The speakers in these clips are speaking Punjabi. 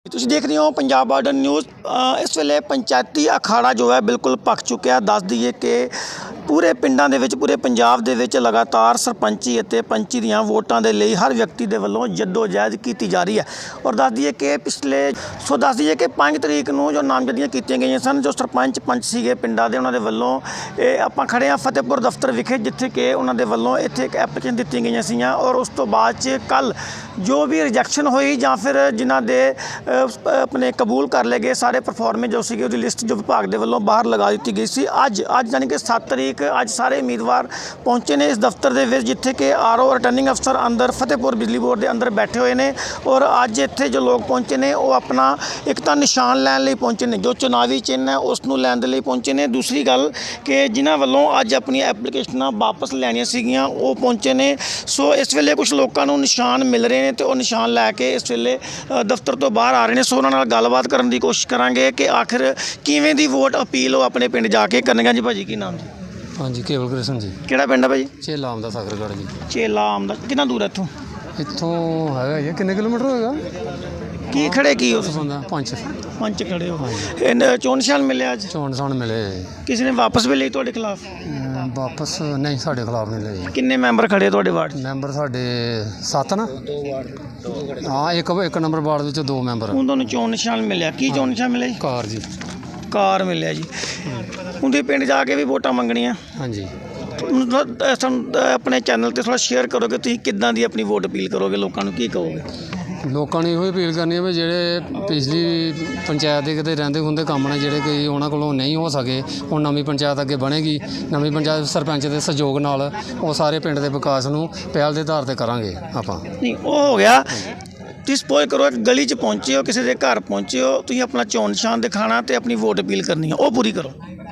ਤੁਸੀਂ ਦੇਖ ਰਹੇ ਹੋ ਪੰਜਾਬ ਬਾਰਡਰ ਨਿਊਜ਼। ਇਸ ਵੇਲੇ ਪੰਚਾਇਤੀ ਅਖਾੜਾ ਜੋ ਹੈ ਬਿਲਕੁਲ ਭਖ ਚੁੱਕਿਆ। ਦੱਸ ਦਈਏ ਕਿ ਪੂਰੇ ਪਿੰਡਾਂ ਦੇ ਵਿੱਚ ਪੂਰੇ ਪੰਜਾਬ ਦੇ ਵਿੱਚ ਲਗਾਤਾਰ ਸਰਪੰਚੀ ਅਤੇ ਪੰਚੀ ਦੀਆਂ ਵੋਟਾਂ ਦੇ ਲਈ ਹਰ ਵਿਅਕਤੀ ਦੇ ਵੱਲੋਂ ਜੱਦੋ-ਜਹਿਦ ਕੀਤੀ ਜਾ ਰਹੀ ਹੈ। ਔਰ ਦੱਸ ਦਈਏ ਕਿ ਦੱਸ ਦਈਏ ਕਿ 5 ਤਰੀਕ ਨੂੰ ਜੋ ਨਾਮਜ਼ਦਗੀਆਂ ਕੀਤੀਆਂ ਗਈਆਂ ਸਨ, ਜੋ ਸਰਪੰਚ ਪੰਚ ਸੀਗੇ ਪਿੰਡਾਂ ਦੇ, ਉਹਨਾਂ ਦੇ ਵੱਲੋਂ ਇਹ ਆਪਾਂ ਖੜੇ ਹਾਂ ਫਤਿਹਪੁਰ ਦਫ਼ਤਰ ਵਿਖੇ, ਜਿੱਥੇ ਕਿ ਉਹਨਾਂ ਦੇ ਵੱਲੋਂ ਇੱਥੇ ਇੱਕ ਐਪਲੀਕੇਸ਼ਨ ਦਿੱਤੀਆਂ ਗਈਆਂ ਸੀਗੀਆਂ। ਔਰ ਉਸ ਤੋਂ ਬਾਅਦ 'ਚ ਕੱਲ੍ਹ ਜੋ ਵੀ ਰਿਜੈਕਸ਼ਨ ਹੋਈ ਜਾਂ ਫਿਰ ਜਿਨ੍ਹਾਂ ਦੇ ਆਪਣੇ ਕਬੂਲ ਕਰ ਲਏ ਗਏ ਸਾਰੇ ਪਰਫਾਰਮੈਂਸ ਜੋ ਸੀਗੀ, ਉਹਦੀ ਲਿਸਟ ਜੋ ਵਿਭਾਗ ਦੇ ਵੱਲੋਂ ਬਾਹਰ ਲਗਾ ਦਿੱਤੀ ਗਈ ਸੀ। ਅੱਜ ਯਾਨੀ ਕਿ 7 ਤਰੀਕ ਅੱਜ ਸਾਰੇ ਉਮੀਦਵਾਰ ਪਹੁੰਚੇ ਨੇ ਇਸ ਦਫ਼ਤਰ ਦੇ ਵਿੱਚ, ਜਿੱਥੇ ਕਿ ਆਰਓ ਰਿਟਰਨਿੰਗ ਅਫਸਰ ਅੰਦਰ ਫਤਿਹਪੁਰ ਬਿਜਲੀ ਬੋਰਡ ਦੇ ਅੰਦਰ ਬੈਠੇ ਹੋਏ ਨੇ। ਔਰ ਅੱਜ ਇੱਥੇ ਜੋ ਲੋਕ ਪਹੁੰਚੇ ਨੇ ਉਹ ਆਪਣਾ ਇੱਕ ਤਾਂ ਨਿਸ਼ਾਨ ਲੈਣ ਲਈ ਪਹੁੰਚੇ ਨੇ, ਜੋ ਚੁਣਾਵੀ ਚਿੰਨ੍ਹ ਹੈ ਉਸ ਨੂੰ ਲੈਣ ਦੇ ਲਈ ਪਹੁੰਚੇ ਨੇ। ਦੂਸਰੀ ਗੱਲ ਕਿ ਜਿਨ੍ਹਾਂ ਵੱਲੋਂ ਅੱਜ ਆਪਣੀਆਂ ਐਪਲੀਕੇਸ਼ਨਾਂ ਵਾਪਸ ਲੈਣੀਆਂ ਸੀਗੀਆਂ ਉਹ ਪਹੁੰਚੇ ਨੇ। ਸੋ ਇਸ ਵੇਲੇ ਕੁਝ ਲੋਕਾਂ ਨੂੰ ਨਿਸ਼ਾਨ ਮਿਲ ਰਹੇ ਨੇ ਤੇ ਉਹ ਨਿਸ਼ਾਨ ਲੈ ਕੇ ਇਸ ਵੇਲੇ ਦਫ਼ਤਰ ਤੋਂ ਬਾਹਰ ਆ ਰਹੇ ਨੇ। ਸੋ ਉਹਨਾਂ ਨਾਲ ਗੱਲਬਾਤ ਕਰਨ ਦੀ ਕੋਸ਼ਿਸ਼ ਕਰਾਂਗੇ ਕਿ ਆਖਿਰ ਕਿਵੇਂ ਦੀ ਵੋਟ ਅਪੀਲ ਉਹ ਆਪਣੇ ਪਿੰਡ ਜਾ ਕੇ ਕਰਨਗੇ। ਜੀ ਭਾਜੀ ਕੀ ਨਾਮ ਜੀ? ਹਾਂਜੀ, ਕੇਵਲ ਕ੍ਰਿਸ਼ਨ ਜੀ। ਕਿਹੜਾ ਪਿੰਡ ਹੈ ਭਾਜੀ? ਚੇਲਾ ਆਮ ਦਾ ਸਾਗਰਗੜ੍ਹ ਜੀ। ਚੇਲਾ ਆਮ ਦਾ ਕਿੰਨਾ ਦੂਰ ਹੈ ਇੱਥੋਂ? ਇੱਥੋਂ ਹੈਗਾ ਜੀ, ਕਿੰਨੇ ਕਿਲੋਮੀਟਰ ਹੋਏਗਾ? ਕੀ ਖੜੇ ਕੀ ਉਸ ਬੰਦਾ ਪੰਜ ਖੜੇ ਹੋ? ਇਹ ਚੋਣ ਨਿਸ਼ਾਨ ਮਿਲਿਆ ਅੱਜ? ਚੋਣ ਨਿਸ਼ਾਨ ਮਿਲੇ। ਕਿਸੇ ਨੇ ਵਾਪਸ ਵੀ ਲਈ ਤੁਹਾਡੇ ਖਿਲਾਫ? ਵਾਪਸ ਨਹੀਂ, ਸਾਡੇ ਖਿਲਾਫ ਨਹੀਂ ਲਏ। ਕਿੰਨੇ ਮੈਂਬਰ ਖੜੇ ਤੁਹਾਡੇ ਵਾਰਡ? ਮੈਂਬਰ ਸਾਡੇ 7 ਨਾ। ਹਾਂ, ਇੱਕ ਨੰਬਰ ਵਾਰਡ ਵਿੱਚ 2 ਮੈਂਬਰ। ਹੁਣ ਤੁਹਾਨੂੰ ਚੋਣ ਨਿਸ਼ਾਨ ਮਿਲਿਆ, ਕੀ ਚੋਣ ਨਿਸ਼ਾਨ ਮਿਲਿਆ ਜੀ? ਕਾਰ ਜੀ। ਕਾਰ ਮਿਲਿਆ ਜੀ। ਹੁਣ ਤੁਸੀਂ ਪਿੰਡ ਜਾ ਕੇ ਵੀ ਵੋਟਾਂ ਮੰਗਣੀਆਂ? ਹਾਂਜੀ। ਸਾਨੂੰ ਆਪਣੇ ਚੈਨਲ 'ਤੇ ਥੋੜ੍ਹਾ ਸ਼ੇਅਰ ਕਰੋਗੇ, ਤੁਸੀਂ ਕਿੱਦਾਂ ਦੀ ਆਪਣੀ ਵੋਟ ਅਪੀਲ ਕਰੋਗੇ, ਲੋਕਾਂ ਨੂੰ ਕੀ ਕਹੋਗੇ? ਲੋਕਾਂ ਨੇ ਇਹੋ ਹੀ ਅਪੀਲ ਕਰਨੀ ਹੈ ਵੀ ਜਿਹੜੇ ਪਿਛਲੀ ਪੰਚਾਇਤ ਦੇ ਕਿਤੇ ਰਹਿੰਦੇ ਹੁੰਦੇ ਕੰਮ ਨੇ, ਜਿਹੜੇ ਕੋਈ ਉਹਨਾਂ ਕੋਲੋਂ ਨਹੀਂ ਹੋ ਸਕੇ, ਹੁਣ ਨਵੀਂ ਪੰਚਾਇਤ ਅੱਗੇ ਬਣੇਗੀ। ਨਵੀਂ ਪੰਚਾਇਤ ਸਰਪੰਚ ਦੇ ਸਹਿਯੋਗ ਨਾਲ ਉਹ ਸਾਰੇ ਪਿੰਡ ਦੇ ਵਿਕਾਸ ਨੂੰ ਪਹਿਲ ਦੇ ਆਧਾਰ 'ਤੇ ਕਰਾਂਗੇ ਆਪਾਂ। ਨਹੀਂ, ਉਹ ਹੋ ਗਿਆ। ਤੁਸੀਂ ਸਪੋਜ਼ ਕਰੋ ਇੱਕ ਗਲੀ 'ਚ ਪਹੁੰਚੇ ਹੋ, ਕਿਸੇ ਦੇ ਘਰ ਪਹੁੰਚੇ ਹੋ, ਤੁਸੀਂ ਆਪਣਾ ਚੋਣ ਨਿਸ਼ਾਨ ਦਿਖਾਉਣਾ ਅਤੇ ਆਪਣੀ ਵੋਟ ਅਪੀਲ ਕਰਨੀ ਹੈ, ਉਹ ਪੂਰੀ ਕਰੋ।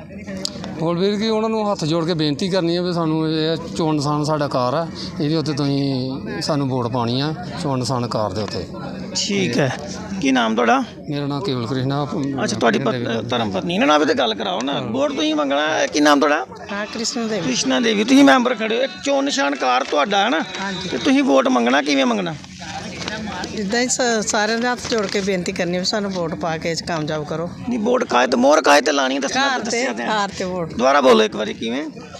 ਹੋਰ ਵੀਰ ਕੀ ਉਹਨਾਂ ਨੂੰ ਹੱਥ ਜੋੜ ਕੇ ਬੇਨਤੀ ਕਰਨੀ ਹੈ ਵੀ ਸਾਨੂੰ ਇਹ ਚੋਣ ਨਿਸ਼ਾਨ ਸਾਡਾ ਕਾਰ ਆ, ਇਹਦੇ ਉੱਤੇ ਤੁਸੀਂ ਸਾਨੂੰ ਵੋਟ ਪਾਉਣੀ ਆ, ਚੋਣ ਨਿਸ਼ਾਨ ਕਾਰ ਦੇ ਉੱਤੇ। ਠੀਕ ਹੈ। ਕੀ ਨਾਮ ਤੁਹਾਡਾ? ਮੇਰਾ ਨਾਮ ਕੇਵਲ ਕ੍ਰਿਸ਼ਨ। ਅੱਛਾ, ਤੁਹਾਡੀ ਧਰਮ ਪਤਨੀ ਇਹਨਾਂ ਨਾਲ ਵੀ ਤਾਂ ਗੱਲ ਕਰਾਓ ਨਾ। ਵੋਟ ਤੁਸੀਂ ਮੰਗਣਾ। ਕੀ ਨਾਮ ਤੁਹਾਡਾ? ਹਾਂ, ਕ੍ਰਿਸ਼ਨਾ ਦੇਵੀ। ਤੁਸੀਂ ਮੈਂਬਰ ਖੜੇ ਹੋ, ਇੱਕ ਚੋਣ ਨਿਸ਼ਾਨ ਕਾਰ ਤੁਹਾਡਾ ਹੈ ਨਾ, ਅਤੇ ਤੁਸੀਂ ਵੋਟ ਮੰਗਣਾ। ਕਿਵੇਂ ਮੰਗਣਾ? ਇੱਦਾਂ ਹੀ ਸਾਰਿਆਂ ਦੇ ਹੱਥ ਜੋੜ ਕੇ ਬੇਨਤੀ ਕਰਨੀ ਵੀ ਸਾਨੂੰ ਵੋਟ ਪਾ ਕੇ ਕਾਮਯਾਬ ਕਰੋ। ਨਹੀਂ, ਵੋਟ ਕਾਇਦ ਮੋਹਰ ਕਾਇਦ ਤੇ ਲਾਣੀ ਕਾਰ ਤੇ ਵੋਟ। ਦੁਬਾਰਾ ਬੋਲੋ ਇੱਕ ਵਾਰੀ। ਕਿਵੇਂ?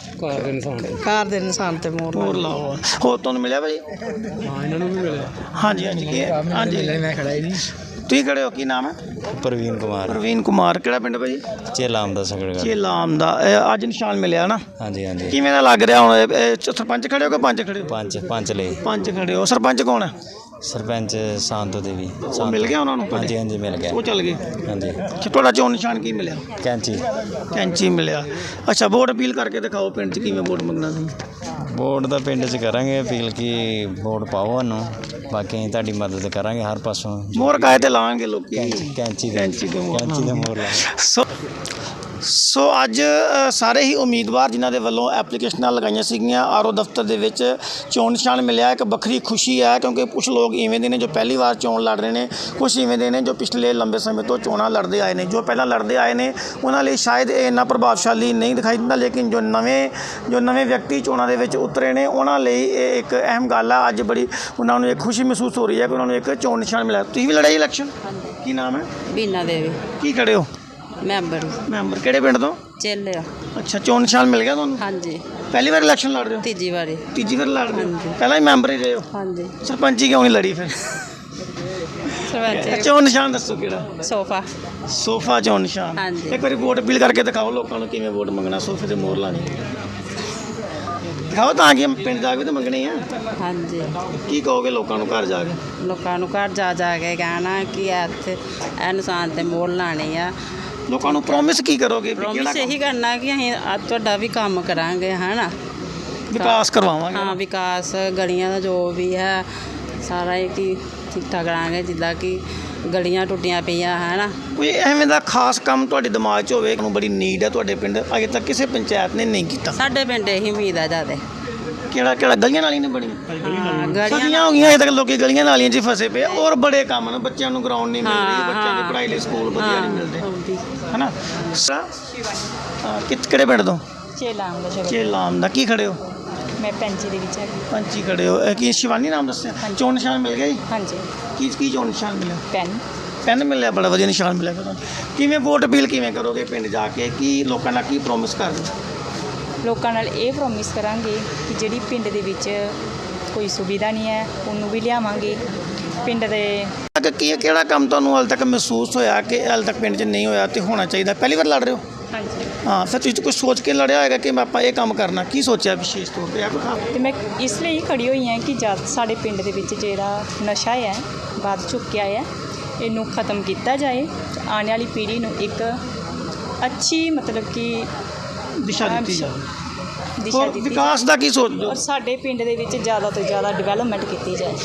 ਕਾਰ ਦੇ ਨਿਸ਼ਾਨ ਤੇ ਮੋਹਰ ਲਾਓ। ਹੋਰ ਤੁਹਾਨੂੰ ਮਿਲਿਆ ਭਾਜੀ? ਹਾਂ, ਇਹਨਾਂ ਨੂੰ ਵੀ ਮਿਲਿਆ। ਹਾਂਜੀ। ਮੈਂ ਖੜਾ ਹੀ ਨਹੀਂ। ਤੁਸੀਂ ਖੜੇ ਹੋ? ਕੀ ਨਾਮ ਹੈ? ਪ੍ਰਵੀਨ ਕੁਮਾਰ। ਕਿਹੜਾ ਪਿੰਡ ਭਾਜੀ? ਚੇਲਾ ਆਮ ਦਾ ਸਾਗਰਗੜ੍ਹ। ਚੇਲਾ ਆਮ ਦਾ। ਅੱਜ ਨਿਸ਼ਾਨ ਮਿਲਿਆ ਨਾ? ਹਾਂਜੀ। ਕਿਵੇਂ ਦਾ ਲੱਗ ਰਿਹਾ ਹੁਣ? ਸਰਪੰਚ ਖੜੇ ਹੋ ਕਿ ਪੰਚ ਖੜੇ ਹੋ? ਪੰਜ ਲਈ। ਪੰਜ ਖੜੇ ਹੋ। ਸਰਪੰਚ ਕੌਣ ਹੈ? ਸਰਪੰਚ ਸ਼ਾਂਤੋ ਦੇਵੀ। ਮਿਲ ਗਿਆ ਉਹਨਾਂ ਨੂੰ? ਹਾਂਜੀ ਮਿਲ ਗਿਆ। ਉਹ ਚੱਲ ਗਏ? ਹਾਂਜੀ। ਤੁਹਾਡਾ ਚੋਣ ਨਿਸ਼ਾਨ ਕੀ ਮਿਲਿਆ? ਕੈਂਚੀ ਮਿਲਿਆ। ਅੱਛਾ, ਵੋਟ ਅਪੀਲ ਕਰਕੇ ਦਿਖਾਓ ਪਿੰਡ 'ਚ ਕਿਵੇਂ ਵੋਟ ਮੰਗਣਾ ਸੀ। ਵੋਟ ਤਾਂ ਪਿੰਡ 'ਚ ਕਰਾਂਗੇ ਅਪੀਲ ਕਿ ਵੋਟ ਪਾਓ ਸਾਨੂੰ, ਬਾਕੀ ਅਸੀਂ ਤੁਹਾਡੀ ਮਦਦ ਕਰਾਂਗੇ ਹਰ ਪਾਸੋਂ। ਮੋਹਰ ਕਾਇਦ ਤੇ ਲਾਵਾਂਗੇ ਲੋਕ। ਕੈਂਚੀ ਦੇ ਮੋਹਰ ਲਾਵਾਂਗੇ। ਸੋ ਅੱਜ ਸਾਰੇ ਹੀ ਉਮੀਦਵਾਰ ਜਿਨ੍ਹਾਂ ਦੇ ਵੱਲੋਂ ਐਪਲੀਕੇਸ਼ਨਾਂ ਲਗਾਈਆਂ ਸੀਗੀਆਂ ਆਰਓ ਦਫ਼ਤਰ ਦੇ ਵਿੱਚ, ਚੋਣ ਨਿਸ਼ਾਨ ਮਿਲਿਆ। ਇੱਕ ਵੱਖਰੀ ਖੁਸ਼ੀ ਹੈ ਕਿਉਂਕਿ ਕੁਛ ਲੋਕ ਇਵੇਂ ਦੇ ਨੇ ਜੋ ਪਹਿਲੀ ਵਾਰ ਚੋਣ ਲੜ ਰਹੇ ਨੇ, ਕੁਛ ਇਵੇਂ ਦੇ ਨੇ ਜੋ ਪਿਛਲੇ ਲੰਬੇ ਸਮੇਂ ਤੋਂ ਚੋਣਾਂ ਲੜਦੇ ਆਏ ਨੇ। ਜੋ ਪਹਿਲਾਂ ਲੜਦੇ ਆਏ ਨੇ ਉਹਨਾਂ ਲਈ ਸ਼ਾਇਦ ਇਹ ਇੰਨਾ ਪ੍ਰਭਾਵਸ਼ਾਲੀ ਨਹੀਂ ਦਿਖਾਈ ਦਿੰਦਾ, ਲੇਕਿਨ ਜੋ ਨਵੇਂ ਵਿਅਕਤੀ ਚੋਣਾਂ ਦੇ ਵਿੱਚ ਉਤਰੇ ਨੇ ਉਹਨਾਂ ਲਈ ਇਹ ਇੱਕ ਅਹਿਮ ਗੱਲ ਆ। ਅੱਜ ਬੜੀ ਉਹਨਾਂ ਨੂੰ ਇੱਕ ਖੁਸ਼ੀ ਮਹਿਸੂਸ ਹੋ ਰਹੀ ਹੈ ਕਿ ਉਹਨਾਂ ਨੂੰ ਇੱਕ ਚੋਣ ਨਿਸ਼ਾਨ ਮਿਲਿਆ। ਤੁਸੀਂ ਵੀ ਲੜਾਈ ਇਲੈਕਸ਼ਨ? ਕੀ ਨਾਮ ਹੈ? ਬੀਨਾ ਦੇਵੀ। ਕੀ ਖੜੇ ਹੋ? ਮੈਂਬਰ। ਕਿਹੜੇ ਪਿੰਡ ਤੋਂ? ਚੇਲੇ। ਅੱਛਾ, ਚੋਣ ਨਿਸ਼ਾਨ ਮਿਲ ਗਿਆ ਤੁਹਾਨੂੰ? ਹਾਂਜੀ। ਪਹਿਲੀ ਵਾਰ ਇਲੈਕਸ਼ਨ ਲੜ ਰਹੇ ਹੋ? ਤੀਜੀ ਵਾਰ ਲੜ ਰਹੇ ਹੋ? ਪਹਿਲਾਂ ਹੀ ਮੈਂਬਰ ਹੀ ਰਹੇ ਹੋ? ਹਾਂਜੀ। ਸਰਪੰਚੀ ਕਿਉਂ ਨਹੀਂ ਲੜੀ ਫਿਰ? ਸਰਪੰਚ। ਚੋਣ ਨਿਸ਼ਾਨ ਦੱਸੋ ਕਿਹੜਾ? ਸੋਫਾ ਚੋਣ ਨਿਸ਼ਾਨ। ਹਾਂਜੀ। ਇੱਕ ਵਾਰੀ ਵੋਟ ਅਪੀਲ ਕਰਕੇ ਦਿਖਾਓ ਲੋਕਾਂ ਨੂੰ ਕਿਵੇਂ ਵੋਟ ਮੰਗਣਾ, ਸੋਫੇ ਤੇ ਮੋਹਰ ਲਾਣੀ ਦਿਖਾਓ ਤਾਂ ਕਿ ਪਿੰਡ ਜਾ ਕੇ ਤਾਂ ਮੰਗਣੀ ਆ। ਹਾਂਜੀ। ਕੀ ਕਹੋਗੇ ਲੋਕਾਂ ਨੂੰ ਘਰ ਜਾ ਕੇ? ਲੋਕਾਂ ਨੂੰ ਘਰ ਜਾ ਕੇ ਕਹਿਣਾ ਕਿ ਇੱਥੇ ਇਹ ਨਿਸ਼ਾਨ ਤੇ ਮੋਹਰ ਲਾਣੀ ਆ। ਲੋਕਾਂ ਨੂੰ ਪ੍ਰੋਮਿਸ ਕੀ ਕਰੋਗੇ? ਪ੍ਰੋਮਿਸ ਇਹੀ ਕਰਨਾ ਕਿ ਅਸੀਂ ਤੁਹਾਡਾ ਵੀ ਕੰਮ ਕਰਾਂਗੇ, ਹੈ ਨਾ, ਵਿਕਾਸ ਕਰਵਾਵਾਂਗੇ। ਹਾਂ, ਵਿਕਾਸ ਗਲੀਆਂ ਦਾ ਜੋ ਵੀ ਹੈ ਸਾਰਾ ਹੀ ਠੀਕ ਠਾਕ ਕਰਾਂਗੇ। ਜਿੱਦਾਂ ਕਿ ਗਲੀਆਂ ਟੁੱਟੀਆਂ ਪਈਆਂ, ਹੈ ਨਾ। ਕੋਈ ਐਵੇਂ ਦਾ ਖਾਸ ਕੰਮ ਤੁਹਾਡੇ ਦਿਮਾਗ 'ਚ ਹੋਵੇ ਨੂੰ ਬੜੀ ਨੀਡ ਹੈ ਤੁਹਾਡੇ ਪਿੰਡ, ਅਜੇ ਤੱਕ ਕਿਸੇ ਪੰਚਾਇਤ ਨੇ ਨਹੀਂ ਕੀਤਾ? ਸਾਡੇ ਪਿੰਡ ਇਹੀ ਉਮੀਦ ਆ ਜ਼ਿਆਦਾ। ਕਿਹੜਾ? ਗਲੀਆਂ ਨਾਲੀਆਂ ਨਹੀਂ ਬਣੀਆਂ? ਗਲੀਆਂ ਹੋ ਗਈਆਂ ਅਜੇ ਤੱਕ, ਲੋਕੀ ਗਲੀਆਂ ਨਾਲੀਆਂ 'ਚ ਫਸੇ ਪਏ। ਔਰ ਬੜੇ ਕੰਮ ਨੇ, ਬੱਚਿਆਂ ਨੂੰ ਗਰਾਊਂਡ ਨਹੀਂ ਮਿਲ ਰਹੀ, ਬੱਚਿਆਂ ਦੀ ਪੜ੍ਹਾਈ ਲਈ ਸਕੂਲ ਵਧੀਆ ਨਹੀਂ ਮਿਲਦੇ, ਹੈ ਨਾ। ਕਿਹੜੇ ਪਿੰਡ ਤੋਂ? ਚੇਲਾ ਆਮ ਦਾ। ਕੀ ਖੜੇ ਹੋ? ਮੈਂ ਪੰਚੀ ਦੇ ਵਿੱਚ ਪੰਚੀ ਖੜੇ ਹੋ। ਕੀ ਸ਼ਿਵਾਨੀ ਨਾਮ ਦੱਸਿਆ? ਚੋਣ ਨਿਸ਼ਾਨ ਮਿਲ ਗਿਆ ਜੀ? ਹਾਂਜੀ। ਕੀ ਚੋਣ ਨਿਸ਼ਾਨ ਮਿਲਿਆ? ਪੈਨ। ਪੈਨ ਮਿਲਿਆ, ਬੜਾ ਵਧੀਆ ਨਿਸ਼ਾਨ ਮਿਲਿਆ ਤੁਹਾਨੂੰ। ਕਿਵੇਂ ਵੋਟ ਅਪੀਲ ਕਿਵੇਂ ਕਰੋਗੇ ਪਿੰਡ ਜਾ ਕੇ, ਕੀ ਲੋਕਾਂ ਨਾਲ ਕੀ ਪ੍ਰੋਮਿਸ ਕਰਦੇ? ਲੋਕਾਂ ਨਾਲ ਇਹ ਪ੍ਰੋਮਿਸ ਕਰਾਂਗੇ ਕਿ ਜਿਹੜੀ ਪਿੰਡ ਦੇ ਵਿੱਚ ਕੋਈ ਸੁਵਿਧਾ ਨਹੀਂ ਹੈ ਉਹਨੂੰ ਵੀ ਲਿਆਵਾਂਗੇ ਪਿੰਡ ਦੇ। ਕੀ ਕਿਹੜਾ ਕੰਮ ਤੁਹਾਨੂੰ ਹਾਲੇ ਤੱਕ ਮਹਿਸੂਸ ਹੋਇਆ ਕਿ ਹਾਲੇ ਤੱਕ ਪਿੰਡ 'ਚ ਨਹੀਂ ਹੋਇਆ ਤੇ ਹੋਣਾ ਚਾਹੀਦਾ? ਪਹਿਲੀ ਵਾਰ ਲੜ ਰਹੇ ਹੋ? ਹਾਂਜੀ। ਹਾਂ, ਫਿਰ ਤੁਸੀਂ ਕੁਝ ਸੋਚ ਕੇ ਲੜਿਆ ਹੋਏਗਾ ਕਿ ਆਪਾਂ ਇਹ ਕੰਮ ਕਰਨਾ, ਕੀ ਸੋਚਿਆ ਵਿਸ਼ੇਸ਼ ਤੌਰ 'ਤੇ? ਤੇ ਮੈਂ ਇਸ ਲਈ ਖੜੀ ਹੋਈ ਹਾਂ ਕਿ ਜਦ ਸਾਡੇ ਪਿੰਡ ਦੇ ਵਿੱਚ ਜਿਹੜਾ ਨਸ਼ਾ ਹੈ ਵੱਧ ਚੁੱਕਿਆ ਹੈ, ਇਹਨੂੰ ਖਤਮ ਕੀਤਾ ਜਾਏ, ਆਉਣ ਵਾਲੀ ਪੀੜ੍ਹੀ ਨੂੰ ਇੱਕ ਅੱਛੀ ਮਤਲਬ ਕਿ ਦਿਸ਼ਾ ਦਿੱਤੀ ਜਾਵੇ। ਦਿਸ਼ਾ ਹੋਰ ਦਿੱਤੀ ਵਿਕਾਸ ਦਾ ਕੀ ਸੋਚਦੇ ਹੋ? ਔਰ ਸਾਡੇ ਪਿੰਡ ਦੇ ਵਿੱਚ ਜ਼ਿਆਦਾ ਤੋਂ ਜ਼ਿਆਦਾ ਡਿਵੈਲਪਮੈਂਟ ਕੀਤੀ ਜਾਏ।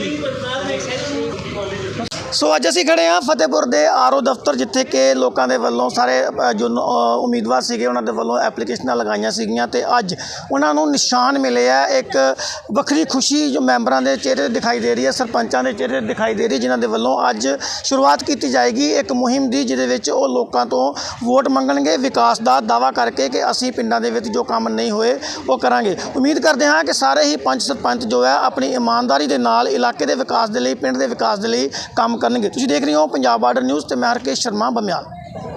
ਸੋ ਅੱਜ ਅਸੀਂ ਖੜੇ ਹਾਂ ਫਤਿਹਪੁਰ ਦੇ ਆਰਓ ਦਫ਼ਤਰ, ਜਿੱਥੇ ਕਿ ਲੋਕਾਂ ਦੇ ਵੱਲੋਂ ਸਾਰੇ ਜੋ ਉਮੀਦਵਾਰ ਸੀਗੇ ਉਹਨਾਂ ਦੇ ਵੱਲੋਂ ਐਪਲੀਕੇਸ਼ਨਾਂ ਲਗਾਈਆਂ ਸੀਗੀਆਂ ਤੇ ਅੱਜ ਉਹਨਾਂ ਨੂੰ ਨਿਸ਼ਾਨ ਮਿਲੇ ਆ। ਇੱਕ ਵੱਖਰੀ ਖੁਸ਼ੀ ਜੋ ਮੈਂਬਰਾਂ ਦੇ ਚਿਹਰੇ ਦਿਖਾਈ ਦੇ ਰਹੀ ਹੈ, ਸਰਪੰਚਾਂ ਦੇ ਚਿਹਰੇ ਦਿਖਾਈ ਦੇ ਰਹੀ, ਜਿਨ੍ਹਾਂ ਦੇ ਵੱਲੋਂ ਅੱਜ ਸ਼ੁਰੂਆਤ ਕੀਤੀ ਜਾਏਗੀ ਇੱਕ ਮੁਹਿੰਮ ਦੀ, ਜਿਹਦੇ ਵਿੱਚ ਉਹ ਲੋਕਾਂ ਤੋਂ ਵੋਟ ਮੰਗਣਗੇ ਵਿਕਾਸ ਦਾ ਦਾਅਵਾ ਕਰਕੇ ਕਿ ਅਸੀਂ ਪਿੰਡਾਂ ਦੇ ਵਿੱਚ ਜੋ ਕੰਮ ਨਹੀਂ ਹੋਏ ਉਹ ਕਰਾਂਗੇ। ਉਮੀਦ ਕਰਦੇ ਹਾਂ ਕਿ ਸਾਰੇ ਹੀ ਪੰਚ ਸਰਪੰਚ ਜੋ ਹੈ ਆਪਣੀ ਇਮਾਨਦਾਰੀ ਦੇ ਨਾਲ ਇਲਾਕੇ ਦੇ ਵਿਕਾਸ ਦੇ ਲਈ, ਪਿੰਡ ਦੇ ਵਿਕਾਸ ਦੇ ਲਈ ਕੰਮ ਕਰਨਗੇ। ਤੁਸੀਂ ਦੇਖ ਰਹੇ ਹੋ ਪੰਜਾਬ ਬਾਰਡਰ ਨਿਊਜ਼ ਤੇ ਮੈਂ ਹਰਕੇਸ਼ ਸ਼ਰਮਾ ਬਮਿਆਲ।